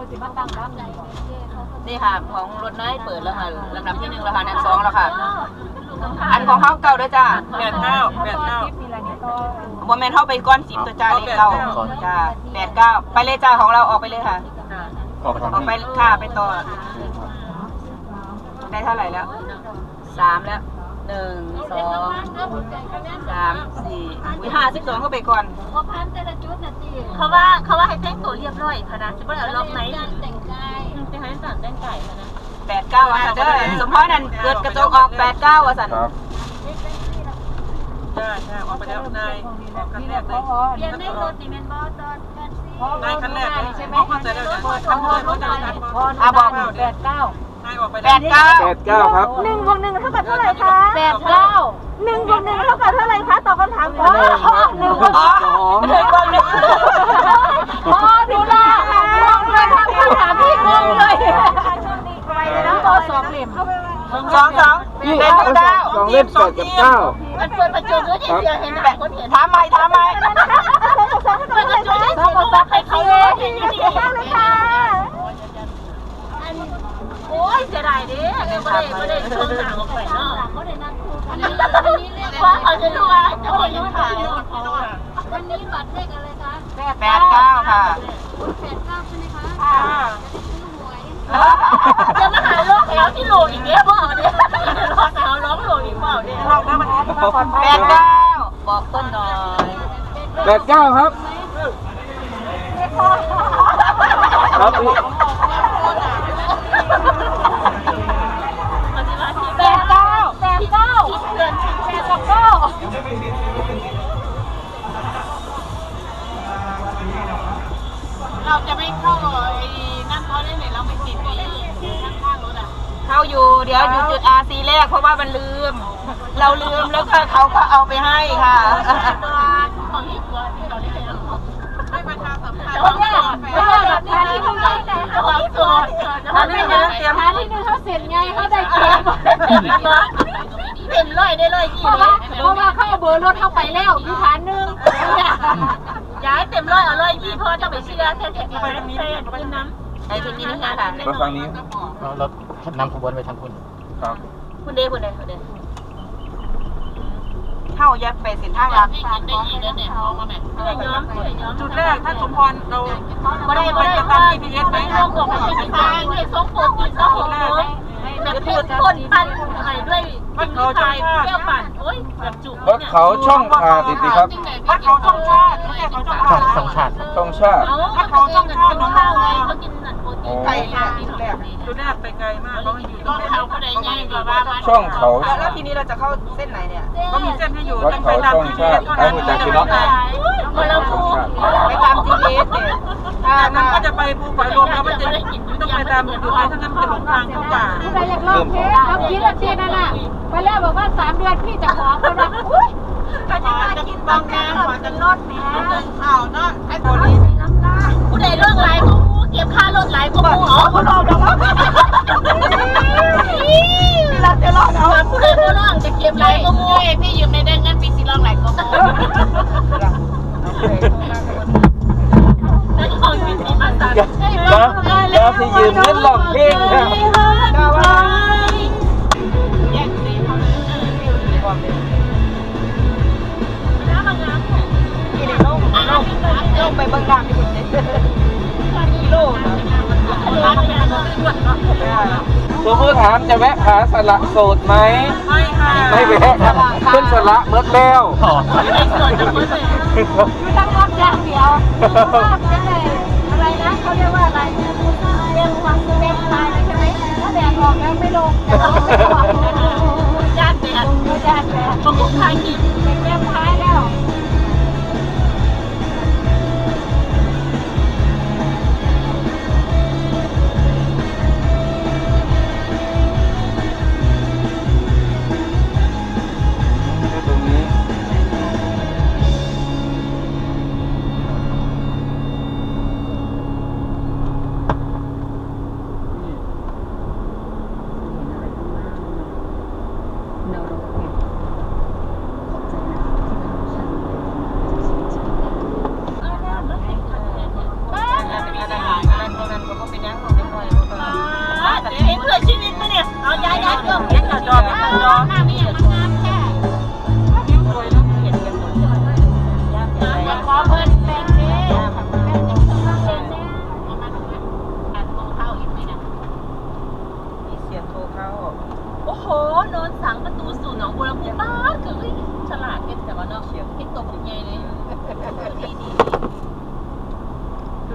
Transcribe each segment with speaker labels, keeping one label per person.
Speaker 1: นี่ค่ะของรถน้อยเปิดแล้วค่ะลำดับที่1แล้วค่ะอัน2แล้วค่ะอันของเขาเก่าด้วยจ้า89โมเมนต์เข้าไปก้อน10ตัวจ้าเลขเก่าจ้า89ไปเลยจ้าของเราออกไปเลยค่ะออกไปค่ะไปต่อได้เท่าไหร่แล้ว3แล้ว1 2 3 4 52เข้าไปก่อนเขาว่าให้แต่งตัวเรียบร้อยค่ะนะจะไม่เอาล็อกไหนจะให้สั่งแต่งไก่ค่ะนะ89อ่ะเด้อสมพรนั่นเกิดกระจกออก89อ่ะสันใช่ออกไปแล้วนายออกคันแรกเลยเรียนได้รถดิเมนบอสนายคันแรกใช่ไหมพอใจแล้วทำเลยเขาจะบอก89นายออกไป89ครับ
Speaker 2: 1 บวก 1เท่ากับเท่าไหร่คะ89 1 บวก 1เท่ากับเท่าไหร่คะตอบคำถามก่อน1 บวก 2 1 บวก 1พอดูแลเลยทำคำถามพี่งงเลยไปเลยนะตัว2เหลี่ยม
Speaker 1: 2เล่น
Speaker 3: 2เล่น8กับ9
Speaker 1: มันเปิดประจุด้วยที่เสียเห็นแบบคนเห็นถามใหม่2กับ2เปิดประจุได้2กับ2ใครเขาเลยเห็นอยู่ดีเลยค่ะโอ้ยเสียดายดิไม่ได้ช่วงหนังออกไปเนาะเพราะเขาจะรู้ว่าจะขอยืนถ่ายวันนี้บัตรเลขอะไรคะ89ค่ะ89ใช่ไหมคะจะมาหาโรคแล้วที่โหลอีกเนี่ยบอกเนี่ยรอสาวร้องโหลอีกเปล่าเนี่ยลองได้มัน89บอกต้นหน่อย
Speaker 3: 89ครับครับพี่
Speaker 1: เราจะไม่เข้าไอ้นั่นเขาได้ไหมเราไม่ติดไอ้ข้างๆรถอ่ะเข้าอยู่เดี๋ยวอยู่จุด RC แรกเพราะว่ามันลืมเราลืมแล้วก็เขาก็เอาไปให้ค่ะของที่ตัวที่เราได้ให้ประชาสัมพันธ์แบบทานที่1ได้แต่ของตัวทานที่1เขาเสร็จไงเขาได้เต็มร้อยได้ร้อยกี่เลยเพราะว่าเขาเอาเบอร์รถเข้าไปแล้วคือฐาน1ย้ายเต็มร้อยเอาร้อยกี่พอจะไปเชื่อแท้ๆไปตรงนี้ไปน้ำไอ้ตรงนี้นี่ค่ะ
Speaker 3: มาฝั่งนี้
Speaker 4: รถนำขบวนไปทางคุณ
Speaker 3: ครับ
Speaker 1: คุณเดเข้ายัดไปเส้นทางหลักได้ยินแล้วเนี่ยมองมาแบบจุดแรกถ้าสมพรเราไม่ได้ตาม GPS ไหมเราบอกว่าจะทางด้วยส่งโปรตีนส่งโปรแบบเพื่อนคนปั่นอะไรด้วยวัดเขาช่องชาติเที่ยวปั่นโอ้ยแบบจุก
Speaker 3: วัดเขาช่องชาติดีครับ
Speaker 1: วัดเขาช่องชาติไม่ใช่เขาช่องชาติ
Speaker 4: ช่องชาติ
Speaker 3: ช่องชาติ
Speaker 1: วัดเขาช่องชาติน้องข้าวไงเขากินหนังโปรตีนไก่จุดแรกไปไกลมากเขาอยู่ตรงเขาก็ได้ง่ายกว่า
Speaker 3: ช่องเขา
Speaker 1: แล้วทีนี้เราจะเข้าเส้นไหนเนี่ยก็มีเส้นให้อยู่
Speaker 3: วัดเขาช่องชาติไอ้หัวใจคือเนาะ
Speaker 1: ไปตาม GPS เนี่ย
Speaker 5: นั้นก็จะไปภูฝอยรวมแล้วมันจะต้องไปตามอยู่ท้ายทั้งนั้นจะหลงทางเข้าป่า
Speaker 2: ไปอยากลองเทสเราคิดว่าเทียนนั่นน่ะไปแล้วบอกว่า3 เดือนพี่จะขอเขานะอุ้ย
Speaker 1: ก็จะมากินบางแก้วขอจะลดแหมข่าวเนาะไอ้คนนี้ผู้ใดเรื่องไรก็มูเก็บค่ารถไรก็มูอ๋อคนรอแล้วที่เราจะรอเอาผู้ใดผู้ร้องจะเก็บไรก็มูพี่ยืมในเด้งงั้นปีสิร้องไรก็มู
Speaker 3: แล้วที่ยืมเงินหลอกเพลงครับ
Speaker 1: ลงไปเบิ่งน้ำที่คุณเนี่ยกิโลนะ
Speaker 3: ตัวผู้ถามจะแวะผาสละโสดไหมไม่แวะครับขึ้นสละเมื่อแล้ว
Speaker 2: ตั้งรับอย่างเดียวอะไรนะเขาเรียกว่าอะไรเรื่องความเต็มตายใช่ไหมถ้าแดดออกแล้วไม่ลง
Speaker 1: ญาติแดดพวกใครกิน
Speaker 2: เต็มท้ายแล้ว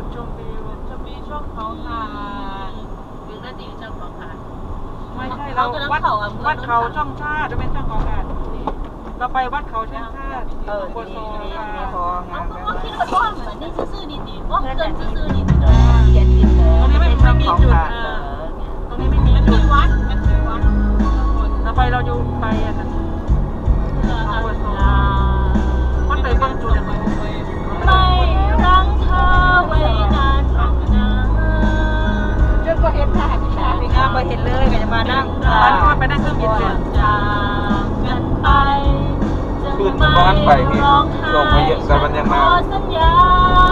Speaker 5: ชมวิว
Speaker 1: จะมีช่วงเขาหาดึงนาทีช่วงเขาหา
Speaker 5: ไม่ใช่เราวัดเขาช่องชาติจะเป็นช่องของการเราไปวัดเขาช่องชาติโคโซค่ะ
Speaker 1: พองาม
Speaker 2: ก็คิดว่าเหมือนนี่ซื่อๆดีๆว่าเกินซื่อๆดี
Speaker 1: เขียนผิดเลย
Speaker 5: ตรงนี้ไม่มีจุดตรงนี้ไม่มี
Speaker 1: มัน
Speaker 5: จุ
Speaker 1: มี
Speaker 5: ด
Speaker 1: วัดมันมีวัด
Speaker 5: เราไปเราอยู่ไปอ่ะนะโคโซมันไปเบิ่งจุด
Speaker 2: ไม่รังเธอไว้นานหรอกนะ
Speaker 1: จนก็เห็นหน้าพี่ชายงามก็เห็นเลยก็จะมานั่ง
Speaker 5: อันนี้มันไปได้เครื่องบินเลย
Speaker 2: จากกันไป
Speaker 3: ขึ้นบ้านไปพี่ลงมาเยอะแต่มันยังมา
Speaker 2: ขอสัญญา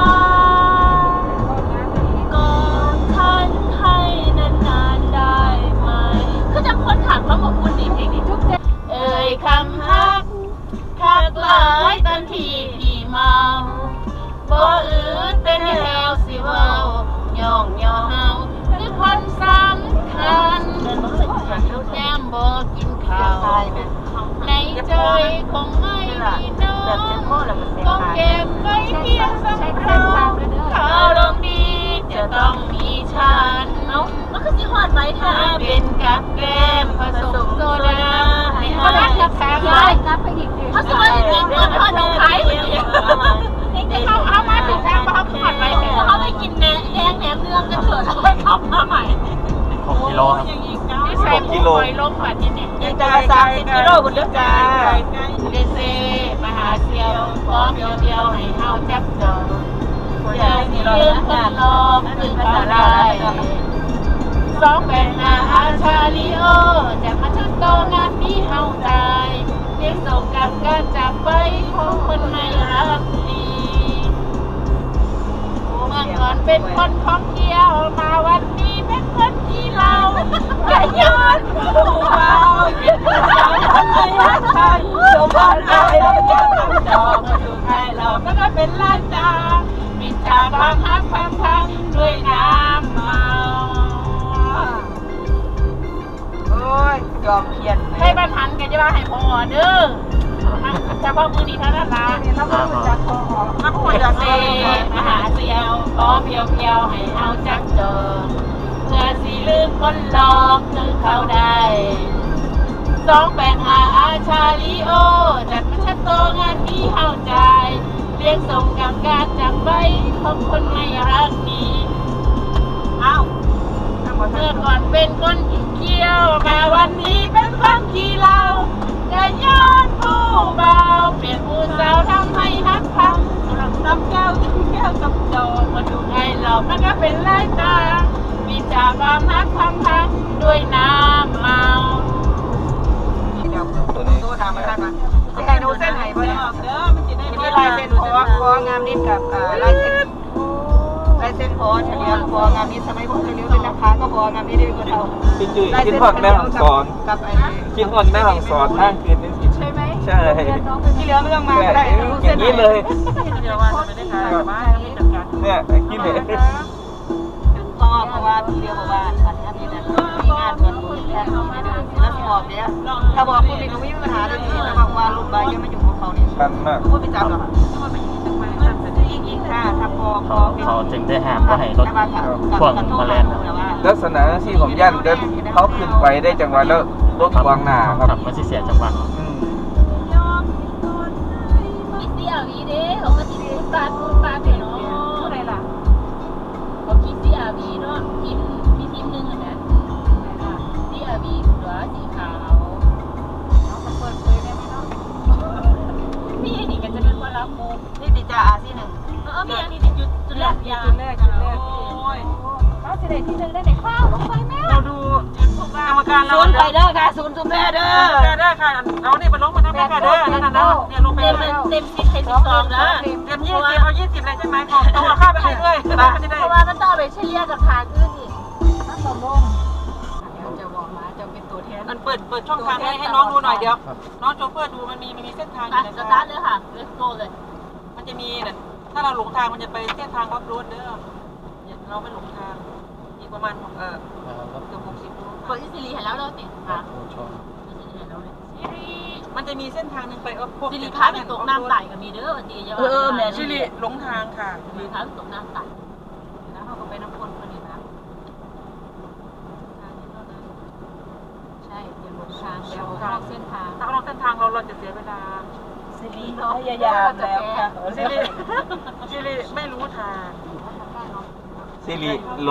Speaker 2: ก่อนฉันให้นานๆได้ไหมคือจะคนถักแล้วบอกคุณดีเพลงนี้ทุกเจเอ่ยคำฮักทักหลายตอนที่พี่เมาบ่อื่นเป็นแนวสิเว้าย่องย่อเฮาคือคนสำคัญแก้มบ่กินข้าวในใจคงไม่มีน้องต้องเก็บไว้เพียงสำรองถ้าลงดีจะต้องมีฉันมันคือสิหอดไว้ถ้าเป็นกับแก้มผสมโซดาให้เขาได้กับแก้มได้กับไปอีกเขาสวยจริงๆมันทอดน้องไข่เขามาถึงทางเขาหอดไว้เขาไปกินแหนมแหนมเนืองกันเถอะแล้วก็ขับมาใหม่
Speaker 4: 6 กิโลครับ
Speaker 2: ที่ใส่กิโลลงก่อนที่เนี่ย
Speaker 1: ยังจะ30 กิโลบนเรือจ้า
Speaker 2: เดเซมาหาเซียวพร้อมเดียวให้เฮาจับจองอย่าสิเลื่อนกันลอกคือเขาได้285อาชาลิโอจะมาชัดโตงานนี้เฮาตายเรียกส่งกับการจับไปของคนไม่รักดีเมื่อก่อนเป็นคนท่องเที่ยวมาวันนี้เป็นคนที่เราอย่าย้อนผู้เบาเป็นผู้สาวทำไมรักใครสมบัติอะไรเราแค่ทำจองมาดูใครเราก็ได้เป็นล้านจามิจฉาบางฮักพังด้วยน้ำเมา
Speaker 1: โอ้ยยอมเพียน
Speaker 2: ให้บ้านหันกันจะมาให้พอเด้อจะว่ามือดีเท่านั้นละ
Speaker 1: แล้วก็จากคอ
Speaker 5: นักคุยกับ
Speaker 2: เซ
Speaker 5: เซ
Speaker 2: มาหาเซียวขอเพียวๆให้เอาจักเจอเพื่อสิลืมคนหลอกคือเขาได้285อาชาลิโอจัดมาชัดโตงานที่เข้าใจเรียกส่งกับการจากไปของคนไม่รักดี
Speaker 1: อ้าว
Speaker 2: เมื่อก่อนเป็นคนขี้เกียวมาวันนี้เป็นคนขี้เหล้าจะย้อนผู้เบาเปลี่ยนผู้สาวทำให้ฮักพังทำแก้วกับโจมาดูไงเรามันก็เป็นไรตามีจากความฮักพังด้วยน้ำเมา
Speaker 3: ตัวนี้
Speaker 1: ตัวทำมาได้ปะจะให้ดูเส้นไหนบ่เนี่ยจะมีลายเส้นคองามนิดกับลายเส้นคอเฉลียวคองามนิดสมัยพวกเฉลียวเป็นนักค้าก็คองามนิดได้เป็นคนเอา
Speaker 3: พี่จุ้ยกินหอดแม่ของสอน
Speaker 1: กับไอ้
Speaker 3: กินหอดแม่ของสอนนั่งคืนนึง
Speaker 2: ใช่ไหม
Speaker 3: ใช่
Speaker 1: ที่เหลือไม่ต้องมาก็ได้ดู
Speaker 3: อ
Speaker 1: เส้
Speaker 3: ย่าน งนี้เลย
Speaker 5: เดียวว่าไม่ได้ขายบ้านไม่จัดการ
Speaker 3: เนี่ยกินเลย
Speaker 1: เพราะว่าที่เรียกว่าอันนี้เนี่ยมีงานเงินบุญแค่นี้ไม่ได้แล้วสอบเนี่ยถ้าบอกคุณมีก็ไม่มีปัญหาเลยพี่ถ้าบอกว่าลูกใบยังไม่อยู่ของเขานี่
Speaker 3: ชันมาก
Speaker 1: พูดไปจับหรอกอีกค่ะถ้าพอ
Speaker 4: เขาจึงได้ห้ามว่าให้รถพ่วงมาแล่นครับ
Speaker 3: ลักษณะที่ผมย่านเดินเขาขึ้นไปได้จังหวะแล้วรถขวางหน้าครับ
Speaker 4: มันสิเสียจังหวะ
Speaker 3: อืม
Speaker 2: มีเสียวีเด้เขาก็ติดตาเปลี่ยนเนาะเท่าไหร่ล่ะเขาคิดเสียวีเนาะทีมมีทีมหนึ่งอ่ะนะเสียวีตัวสีขาวเปิดเผยได้ไหมเนาะนี่นี่กันจะเป็นคนรับมุก
Speaker 1: นี่ติจ่าอาซีหนึ่ง
Speaker 2: มีอันนี้จุดแรกยา
Speaker 5: จุดแรกโอ้ย
Speaker 2: เขาจะได้ที่หนึ่งได้ในข้าวลงไปแม่
Speaker 5: เราดูกรรมการเรา
Speaker 1: ศูนย์ไปเด้อค่ะศูนย์ซุมแพเด้อ
Speaker 5: ได้ค่ะเอานี่มันลงมาทั้งแม่ค่ะเด้อนั่นน่ะเนี่ยลงไป
Speaker 2: เต็ม
Speaker 5: เลย
Speaker 2: เต็ม10ให้12นะ
Speaker 5: เต็ม20เอา20เลยใช่ไหมของต้องเอาข้าวไปให้ด้วยจะได้
Speaker 2: เพราะว่ามันต้องไปเฉลี่ยกับทางอื่นอีกจะบอกมาจะเป็นตัวแทน
Speaker 5: มันเปิดช่องทางให้น้องดูหน่อยเดี๋ยวน้องโชเฟอร์ดูมันมีเส้นทางอยู่
Speaker 2: สตาร์ทเลยค่ะ let's go เลย
Speaker 5: มันจะมีเนี่ยถ้าเราหลงทางมันจะไปเส้นทางออฟโรดเด้อเราไม่หลงทางอีกประมาณเกือบ60 โล
Speaker 2: เปิดที่ซีรีส์เห็นแล้วเราติดค่ะ
Speaker 5: มันจะมีเส้นทางหนึ่งไปพวก
Speaker 2: ซีรีส์พาไปตกน้ำไต่กับมีเด้อดีเยอะ
Speaker 1: แม่
Speaker 5: ชิลิหลงทางค่ะ
Speaker 2: ซีรีส์พาไปตกน้ำไต่
Speaker 1: สิริพยายามแล้วค่ะ
Speaker 5: ซิริไม่รู้ทาง
Speaker 3: สิริโล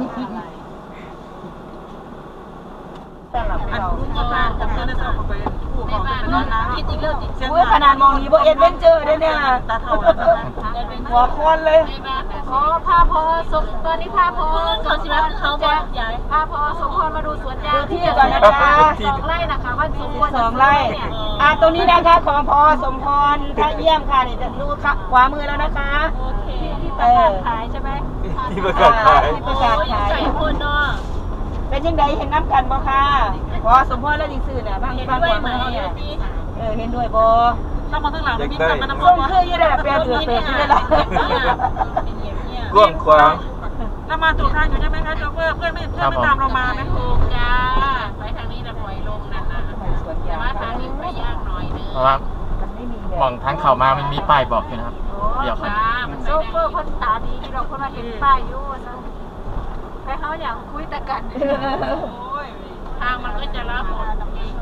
Speaker 5: อันรู้จักบ้านผมก็ได้สอบไปผู้ของเป็นน้องน้ำคิดอีกเรื่องอีกเส้น
Speaker 1: อุ้ยขนาดมองนี้บ่เอ็ดเวนเจอร์ด้วยเนี่ย
Speaker 5: ตาเท่าแล้วนะ
Speaker 1: หัวคอนเลย
Speaker 2: อ๋อพาพอสมตอนนี้พาพอเขาสิว่าเขาบอกใหญ่พาพอสมพรมาดูสวนยาง
Speaker 1: ดูที่ก่อนนะจ๊ะ
Speaker 2: 2 ไร่นะคะว่าสมควร
Speaker 1: 2 ไร่ตรงนี้นะคะของพอสมพรท่าเยี่ยมค่ะนี่จะดูขวามือแล้วนะคะ
Speaker 2: โอเคที่ประกาศขายใช่ไหม
Speaker 3: ที่ประกาศขาย
Speaker 1: ที่ประกาศขาย
Speaker 2: ใส่คนเนาะ
Speaker 1: เป็นยังไงเห็นน้ำกันบ่ค่ะพอสมพรแล้วจริงซื่อเนี่ยบ้างบ้างกว่ามือเนี่ยเห็นด้วยบ่
Speaker 5: ถ้ามาข้างหลังมีแต่มันน้ำ
Speaker 1: ส่งคืออยู่ได้แบบแปลเดือดเติมอยู่ได้ละ
Speaker 3: กว้างขวาง
Speaker 5: เรามาถูกทางอยู่ใช่ไหมคะโชเฟอร์เพื่อนไม่ตามเรามาไหม
Speaker 2: ถูกจ้าไปทางนี้นะปล่อยลงนั่นนะแต่ว่าทางนี้ไปยากหน่อยนึง
Speaker 4: เพราะว่า
Speaker 1: มันไม่มีแบบ
Speaker 4: มองทางเข้ามามันมีป้ายบอกอยู่นะครับเดี๋ยวครับ
Speaker 2: โซเฟอร์คนตาดีที่เราคนมาเห็นป้ายอยู่ไปเขาอย่างคุยแต่กันทางมันก็จะรับหมด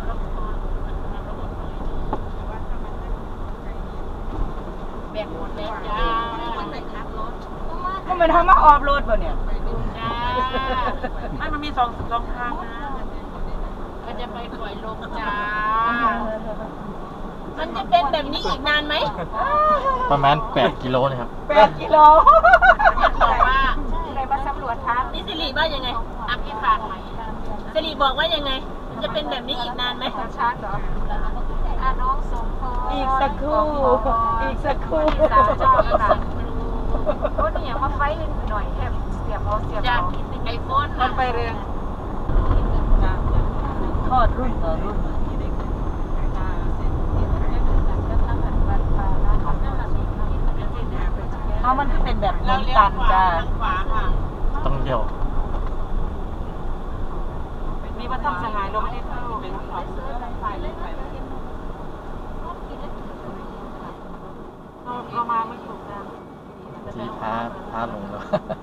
Speaker 2: แบกหมดเลยจ้าไปขับรถ
Speaker 1: ก็มันทำมาออฟโรดป่ะเนี่ย
Speaker 2: จ้า
Speaker 5: ไม่มันมีสองทางนะ
Speaker 2: ก็จะไปปล่อยลงจ้ามันจะเป็นแบบนี้อีกนานไหม
Speaker 4: ประมาณ8 กิโลนะครับ
Speaker 1: 8 กิโล
Speaker 2: บอกว่าอะไรมาสำรวจทางนี่สิริว่ายังไงอัพพี่ฝากไหมสิริบอกว่ายังไงมันจะเป็นแบบนี้อีกนานไหมช้าเหรอน้องสมพร
Speaker 1: อีกสักครู่อีกสักครู่
Speaker 2: สาวเจ้าค่ะโอ้เนี่ยมาไฟหน่อยแค่เสียบเอาจากไอโฟน
Speaker 5: มันไปเรือง
Speaker 1: ทอดรุ่นต่อรุ่นเอามันก็เป็นแบบมุมตันจ้า
Speaker 5: ขวาค่ะ
Speaker 4: ต้องเลี้ยว
Speaker 5: มีวัดถ้ำสหายเราไม่ได้เข้าเป็นเขาเรามาไม่ถูกทาง
Speaker 4: ที่พาลงแล้ว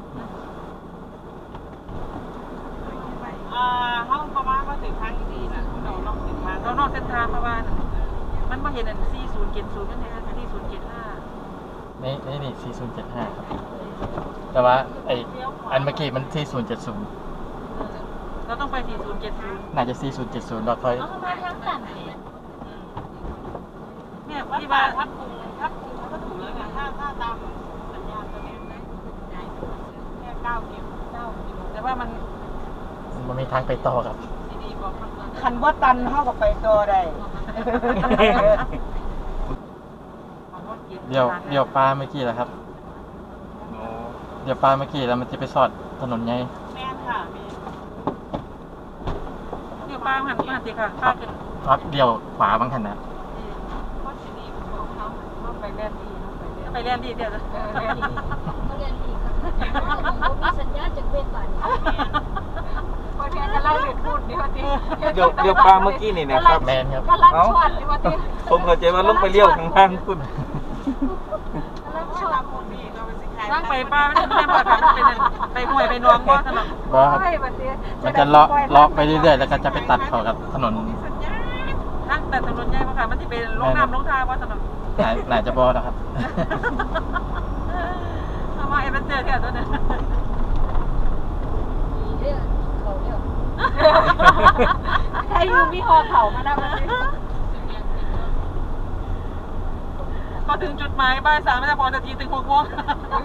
Speaker 5: ห้องประมาณว่าถึงทางดีนะเรานอกเส้นทางเรานอกเส้นทางประมาณมันมาเห็นอัน4070นั่นเองอันที่075
Speaker 4: นี่4075ครับแต่ว่าอันเมื่อกี้มัน4070
Speaker 5: เราต้องไป4070
Speaker 4: น่าจะ4070เราค่อย
Speaker 2: เอามาทางสั่น
Speaker 5: เนี่ยที่ว่าทับกรุงก็ถูกแล้วไงถ้าตามสัญญาณตัวนี้แค่9 กิโลแต่ว่ามัน
Speaker 4: มันมีทางไปต่อครับ
Speaker 5: ดีกว่ามัน
Speaker 1: คันว่าตันเท่ากับไปตัวได้
Speaker 4: เดี๋ยวปลาเมื่อกี้แหละครับ เดี๋ยวปลาเมื่อกี้แล้วมันจะไปสอดถนนใหญ่
Speaker 5: แม่นค่ะเดี๋ยวป้าหันมาสิค่ะป้าขึ้น
Speaker 4: ครับเดี๋ยวขวาบางขนาด
Speaker 5: ไปเล่นดีเดี๋ยวจะ
Speaker 2: เขาเรียนอีกมีสัญญาจากเวทบาทพอแทนจะเล่าเรื่องพูดดีกว่าที
Speaker 3: เดี๋ยวปลาเมื่อกี้นี่นะครับ
Speaker 4: แมนครับ
Speaker 2: กำลังชวนดีกว่าที
Speaker 3: ผมเข้าใจว่าลงไปเลี้ยวข้างล่างคุณ
Speaker 2: กำลังชวน
Speaker 5: นั่งไปป้าไม่ได้บอกค่ะเป็นไปห่วยไปนวงบ่ถนน
Speaker 4: บอครับมันจะเลาะไปเรื่อยๆแล้วก็จะไปตัดเข้ากับถนน
Speaker 5: นั่งแต่ถนนใหญ่ป่ะค่ะมันจะเป็นลงน้ำลงทาว่าถนน
Speaker 4: หลายจะบอนะครับ
Speaker 5: ทำไมมันเจอแค่ตัวนี้
Speaker 2: ให้ยูมีหอเขามานะวันนี้
Speaker 5: ก็ถึงจุดหมายบ่าย 3ไม่ได้พอนาทีถึง6 โมง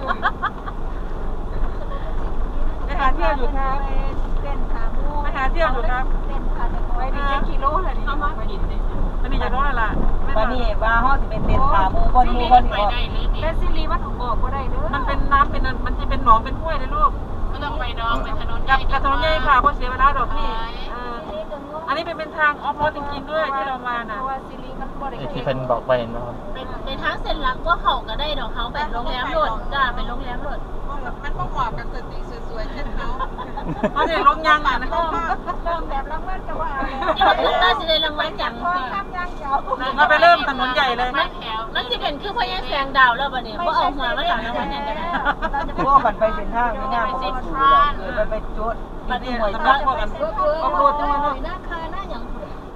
Speaker 5: ไปหาเที่ยวอยู่ครับ
Speaker 2: เต้นขามู
Speaker 5: ไปหาเที่ยวอยู่ครับ
Speaker 2: เต้นขาแต่ไว้ดีจะกิโลเลยนี่มากินเลย
Speaker 5: มันนี่จะรู้แล้วล่ะ
Speaker 1: วันนี้ว่าห้อสิเป็นเต็นขามูบนมูบนออก
Speaker 2: แต่ซีรีมันออกก็ได้เด้อ
Speaker 5: มันเป็นน้ำเป็นมันจะเป็นหนองเป็นห้วยเลยลูก
Speaker 2: ก็ต้องไปดองไปถนน
Speaker 5: กับถนนใหญ่ค่ะเพราะเสียเวลาดอกนี่อันนี้เป็นทางออฟโรดจริงๆด้วยที่เรามาน่ะ
Speaker 2: เพราะว่าซีรีมันบ่ได้
Speaker 4: ที่เป็นบอกไปนะครับ
Speaker 2: เป็นทางเส้นหลักก็เขาก็ได้ดอกเขาเป็นโรงแรมรถจ้าเป็นโรงแรมรถ
Speaker 5: มันก็เหมาะกับสตรีสวยๆเช่นเขาเขาจะลงยางอ่ะนะ
Speaker 2: เริ่มแบบรางวัลก็ว่าเอาเลยนี่มันคือน่าจะได้รางวัลอย่าง
Speaker 5: เราไปเริ่มถนนใหญ่เลย
Speaker 2: มันจะเป็นคือพยังแสงดาวแล้วบัดนี้บ่เอาหัวมาหลังรางวัลอย่างกัน
Speaker 1: พวกกันไปเส้นทางไม่น่าพวกกันไปจุด
Speaker 5: มัน
Speaker 1: นี่
Speaker 5: นี่
Speaker 1: หน่วย
Speaker 5: สำห
Speaker 1: ตั
Speaker 5: รับ
Speaker 1: ด
Speaker 5: พวกกันออฟโรดจังเลย
Speaker 2: หน้าคาหน้าอย่าง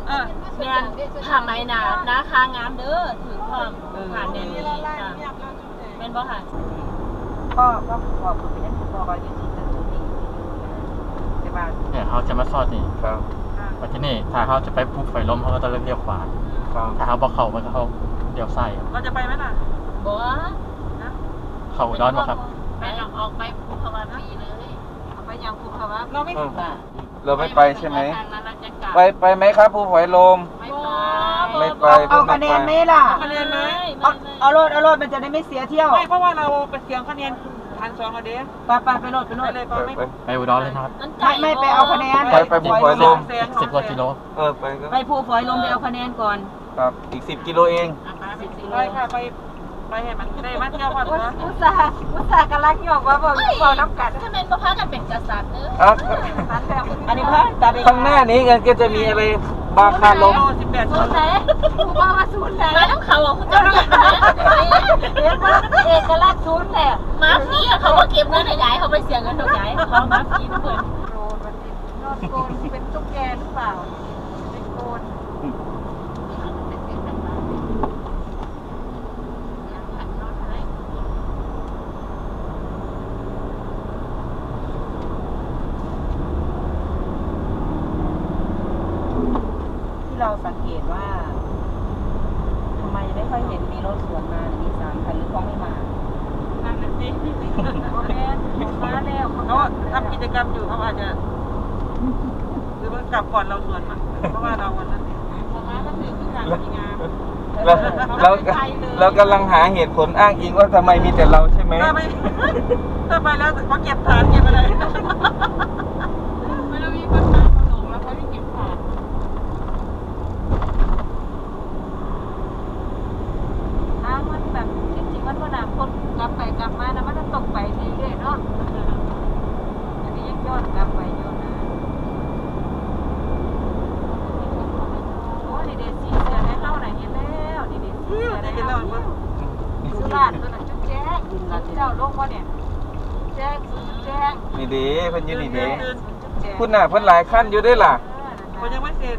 Speaker 1: แม่นผ้าไหมหนาคางามเด้อถือความผ่านเดนนี่แม่นบ่ค่ะพ่อคุณเป็นพ่อก็อยู่ที่ตึกนี้ใช่ป่ะ
Speaker 4: เนี่ยเขาจะมาซอดนี่
Speaker 3: ครับ
Speaker 4: วันที่นี่ถ้าเขาจะไปภูไฟล้มเขาก็ต้องเลี้ยวขวา
Speaker 3: ครับ
Speaker 4: ถ้าเขาบอกเขามันก็เขาเลี้ยวซ้ายครับ
Speaker 5: เราจะไปไหมล่ะ
Speaker 1: บ่
Speaker 4: เขาอุดอนบ่ครับ
Speaker 1: ไปออกไปภูเขาวัดปีเลยเอาไปยังภูเขาวัด
Speaker 5: เราไม่ถึง
Speaker 3: เราไม่ไปใช่ไหม
Speaker 1: ทางนั้นเราจะกลับ
Speaker 3: ไปไหมครับภูฝอยลม ไม่ไป
Speaker 1: เอาคะแนนไหมล่ะ
Speaker 5: คะแนนไหม
Speaker 1: เอาโลดมันจะได้ไม่เสียเที่ยว
Speaker 5: ไม่เพราะว่าเราไปเสียงคะแนน1,200เราเด้
Speaker 1: ไปโลด
Speaker 5: เลยไปไม่
Speaker 4: ไปอุดรเลยนะครับ
Speaker 1: ไม่ไปเอาคะแนน
Speaker 3: ไปภูฝอยลม
Speaker 4: 10 กว่ากิโล
Speaker 3: ไปก็
Speaker 1: ไปภูฝอยลมไปเอาคะแนนก่อน
Speaker 3: ครับอีก10 กิโลเอง
Speaker 5: ไปค่ะไปให้มันได้มาเที่ยวก่อนนะ
Speaker 1: อุตส่าห์กำลังหยอกว่าบอกน้ำกัดถ้าเป็นพากันเป็นกษัตริย์เนอะ
Speaker 3: ครับ
Speaker 1: อันนี้พระตัด
Speaker 3: ข้างหน้านี้กันก็จะมีอะไรบาคาลม
Speaker 5: 18
Speaker 1: ศูนย์ไหนผู้ว่ามาศูนย์ไหนมาต้องเขาอ่ะคุณเจ้าเก็บนะเรียกว่าเอกลักษณ์ศูนย์แหละมาฟี่เขาก็เก็บเงินใหญ่เขาไปเสียเงินดอกใหญ่เขามาฟี่ทุกคนนอนโกนเป็นตุ๊กแกหรือเปล่าเป็นโกน ที่เราสังเกตว่าทำไมไม่ค่อยเห็นมีรถสวนมาหรือมี3 คันหรือเขาไม่มานั่นน่ะสิมาแล้ว
Speaker 5: เขาทำกิจกรรมอยู่เขาอาจจะหรือว่ากลับก่อนเราส่วนมาเพราะว่าเราวันนั้น
Speaker 1: มาก็ถือขึ้นจากมีงาน
Speaker 3: เรากำลังหาเหตุผลอ้างอิงว่าทำไมมีแต่เราใช่ไหม
Speaker 5: ถ้าไปแล้วเขาเก็บฐานเก็บอะไร
Speaker 1: ไม่ต้องมีปัญหาขนมแล้วเขาไม่เก็บขาดทางมันแบบจริงๆมันว่าน้ำคนกลับไปกลับมานะมันจะตกไปเรื่อยๆเนาะอันนี้ยังย้อนกลับไปอยู่นะโอ้ดีเดซีเสือในเล่าไหนเห็นแล้วดีเดซีเสือในเล่าสุราษฎร์ตัวนั้นจุ๊บแจ๊กเจ้าโลกว่าเนี่ยแจ๊กแจ๊ก
Speaker 3: นี่เด้เพิ่นอยู่นี่เด้คุณน่ะเพิ่นหลายขั้นอยู่ได้ล่ะ
Speaker 5: มันยังไม่เสร็จ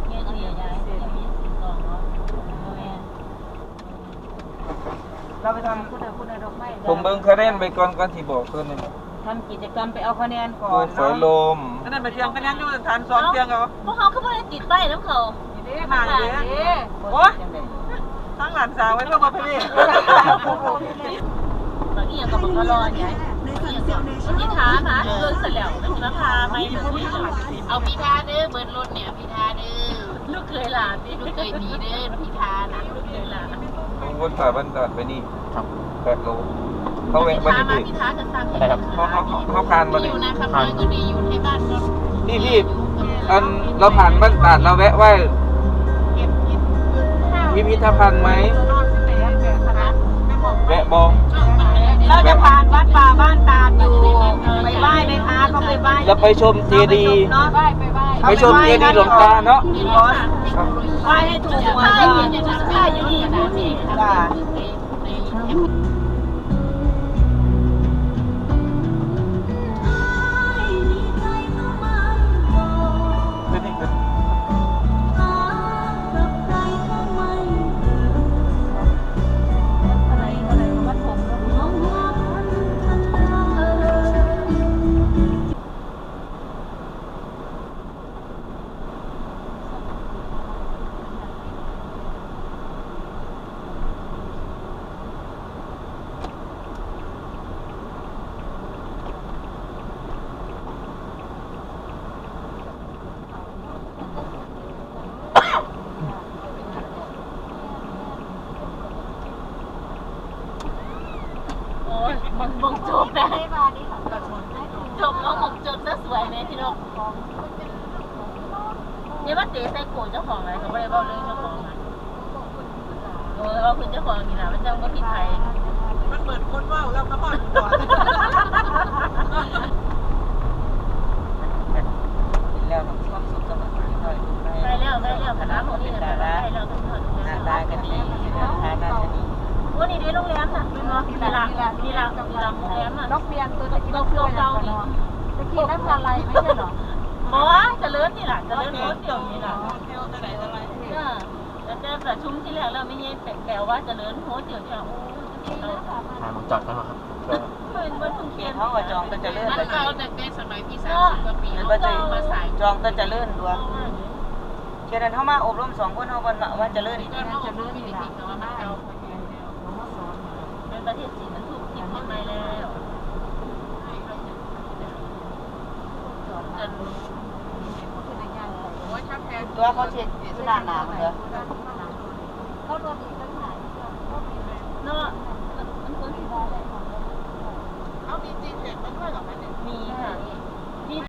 Speaker 1: เราไปทำคุณดอกไม้
Speaker 3: ผมเบิ่งคะแนนไปก่อนที่บอกเพิ่นนี่
Speaker 1: ทำกิจกรรมไปเอาคะแนนก่อ
Speaker 3: ภู
Speaker 1: น
Speaker 3: ฝอยลม
Speaker 5: นั่นไปเชียงคะแนนอยู่ฐาน2เชียงเขา
Speaker 1: พวกเขาคือไม่ได้ติดป้ายน้ำเขา
Speaker 5: หนาเด้โอ้ทั้งหลานสาวไว้เพื่อมาพี่
Speaker 1: บางอย่างก็บอกว่ารอไงพิธานะเรื่องเสร็จแล้วไม่มาพาไม่เอาพิธาเด้อเบิร์ดรถเนี่ยพิธาเด้อลูกเคยหลานดิลูกเคยดีเด้อพิธานะลูกเคยหลาน
Speaker 3: วนผ่าบ้านตัดไปนี่
Speaker 4: ครับ
Speaker 3: 8 โลเขาแวะบ้านนี่
Speaker 1: พิธาจะสั่ง
Speaker 3: เขาผ่านมา
Speaker 1: อ
Speaker 3: นี่
Speaker 1: ยู่นะคำน้อยก็ดีอยู่ในบ้านก็
Speaker 3: พี่อันเราผ่านบ้านตัดเราแวะไหว้พิพิธภัณฑ์ไหมแวะบอก
Speaker 1: เราจะผ่านวัดป่าบ้านตาดอยู่ไปไหว้ไหมคะก็ไปไหว้
Speaker 3: แล้วไปชมเจดีย์
Speaker 1: เนาะไปไหว้
Speaker 3: ไปชมเจดีย์หลวงตาเนาะ
Speaker 1: ไหว้ให้ถูกหัวก็ค่าอยู่นี่นะพี่จ้า มันมองจบนะจบแล้วมองจบจะสวยไหมพี่นกเนี่ยว่าเตะใส่โขนเจ้าของอะไรเขาไม่ได้บอกเรื่องเจ้าของอ่ะว่าคุณเจ้าของนี่นะมันจะก็ผิดใคร
Speaker 5: มันเหมือนคนว่าเราก็พอดก่อนแล้วความสุขสมัครหน่อย
Speaker 1: ได้แล้วคณะของนี่นะได้แล้วทุกคน
Speaker 5: หน้าตาก็ดีฐานะก็ดี
Speaker 1: วันนี้ได้โรงแรมน่ะเป็นว่านี่ละโรงแรมน่ะ
Speaker 2: นกเบียนตัวตะกี้นกเบียน
Speaker 1: เก่านี่
Speaker 2: ตะกี้นั่นอะไรไม่ใช่หรอ
Speaker 1: อ๋อเจริญนี่แหละเจริญโคตรเดียวนี่แหละ
Speaker 5: เที่ยวไหนอะไร
Speaker 1: แต่เดินประชุมที่แรกเราไม่ใช่แปลว่าจะเลินโหเดี๋ยวจะโอ้เรา
Speaker 4: หาหมองจอดกันเหรอครับ
Speaker 1: มันทุ่ง
Speaker 5: เข
Speaker 1: เทีย
Speaker 5: ต
Speaker 1: น
Speaker 5: เขาก็จองก็จะเลื่อน
Speaker 1: มัน
Speaker 5: ไป
Speaker 1: เราแต่ในสมัยพี่30 กว่าปี
Speaker 5: มัน
Speaker 1: เขา
Speaker 5: ก็จะ
Speaker 1: มาสาย
Speaker 5: จองก็จะเลื่อนตัวเช่นนั้นเขามาอบรม2 คนเขาว่าจะเลื่อน
Speaker 1: ก็เขาอบรมมีวิธีเขาว่ามันเอาเป็นประเทศจีนมันถูกทิ้งทำไมแล้ว
Speaker 5: ตัวเขาเช็ดขนาดหนาเหรอ